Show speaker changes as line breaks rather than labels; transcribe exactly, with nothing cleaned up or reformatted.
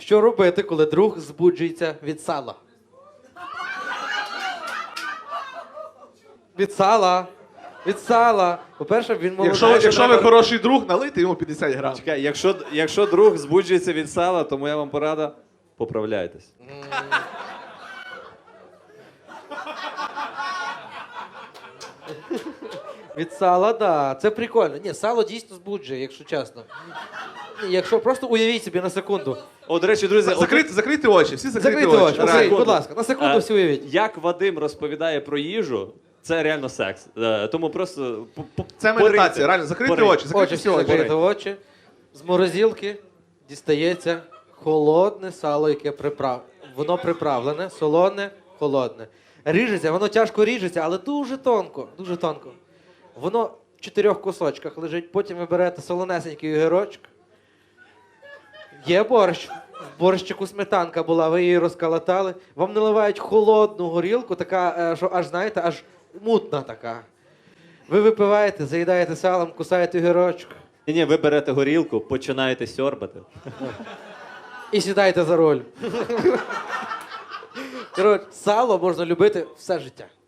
Що робити, коли друг збуджується від сала? Від сала. Від сала. По-перше, він молодий.
Якщо, якщо ви хороший друг, налийте йому п'ятдесят грам.
Чекай, якщо, якщо друг збуджується від сала, то моя вам порада – поправляйтесь.
Від сала, так. Да. Це прикольно. Ні, сало дійсно збуджує, якщо чесно. Ні, якщо просто уявіть собі на секунду.
О, до речі, друзі,
Закрити, закрити очі, всі закриті
Закрийте очі,
Реально.
закрийте, будь ласка. На секунду
Е,
всі уявіть.
як Вадим розповідає про їжу, це реально секс. Е, Тому просто по- по-
Це
пориньте.
медитація, реально, закрити
Пориньте.
очі, закрити
Очі
всі
всі
очі.
закрити очі. З морозилки дістається холодне сало, яке приправ... Воно приправлене, солоне, холодне. Ріжеться, воно тяжко ріжеться, але дуже тонко, дуже тонко. Воно в чотирьох кусочках лежить, потім ви берете солонесенький огірочок. Є борщ. В борщику сметанка була, ви її розколотали. Вам наливають холодну горілку, така, е, що аж, знаєте, аж мутна така. Ви випиваєте, заїдаєте салом, кусаєте огірочок.
Ні-ні, ви берете горілку, починаєте сьорбати.
І сідаєте за роль. Коротше, сало можна любити все життя.